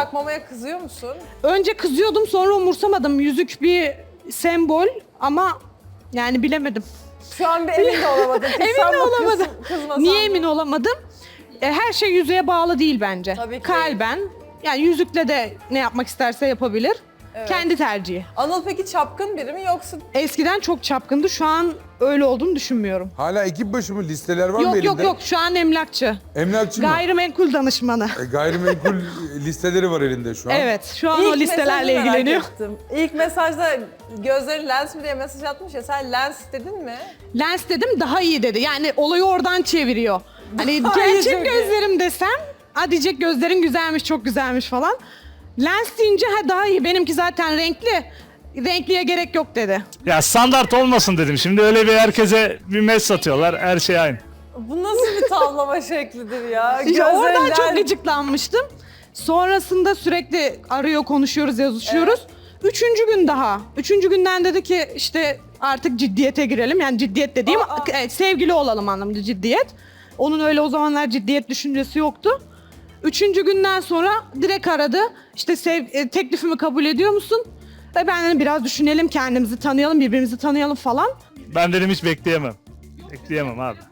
takmamaya kızıyor musun? Önce kızıyordum, sonra umursamadım. Yüzük bir sembol ama yani bilemedim. Şu an bir emin de olamadın. Emin de olamadım. Kızmasan Niye da. emin olamadım? Her şey yüzüğe bağlı değil bence. Tabii ki. Kalben, yani yüzükle de ne yapmak isterse yapabilir. Evet. Kendi tercihi. Anıl peki çapkın biri mi yoksa? Eskiden çok çapkındı, şu an öyle olduğunu düşünmüyorum. Hala ekip başı mı? Listeler var mı Yok elinde? yok yok, şu an emlakçı. Emlakçı mı? Gayrimenkul danışmanı. Gayrimenkul listeleri var elinde şu an. Evet, şu an o listelerle mesajı merak ilgileniyor. ettim. İlk mesajda gözleri lens mi diye mesaj atmış ya, sen lens dedin mi? Lens dedim, daha iyi dedi. Yani olayı oradan çeviriyor. Hani Daha iyi gerçek çünkü. gözlerim desem, ha diyecek gözlerin güzelmiş, çok güzelmiş falan. Lens deyince ha daha iyi, benimki zaten renkli. Renkliye gerek yok dedi. Ya standart olmasın dedim. Şimdi öyle bir herkese bir mes satıyorlar. Her şey aynı. Bu nasıl bir tavlama şeklidir ya? İşte oradan Gözleri çok lens- gıcıklanmıştım. Sonrasında sürekli arıyor, konuşuyoruz, yazışıyoruz. Üçüncü günden dedi ki işte artık ciddiyete girelim. Yani ciddiyet dediğim sevgili olalım anlamında ciddiyet. Onun öyle o zamanlar ciddiyet düşüncesi yoktu. Üçüncü günden sonra direkt aradı. İşte teklifimi kabul ediyor musun? Ve ben dedim biraz düşünelim, kendimizi tanıyalım, birbirimizi tanıyalım falan. Ben dedim hiç bekleyemem. Bekleyemem abi.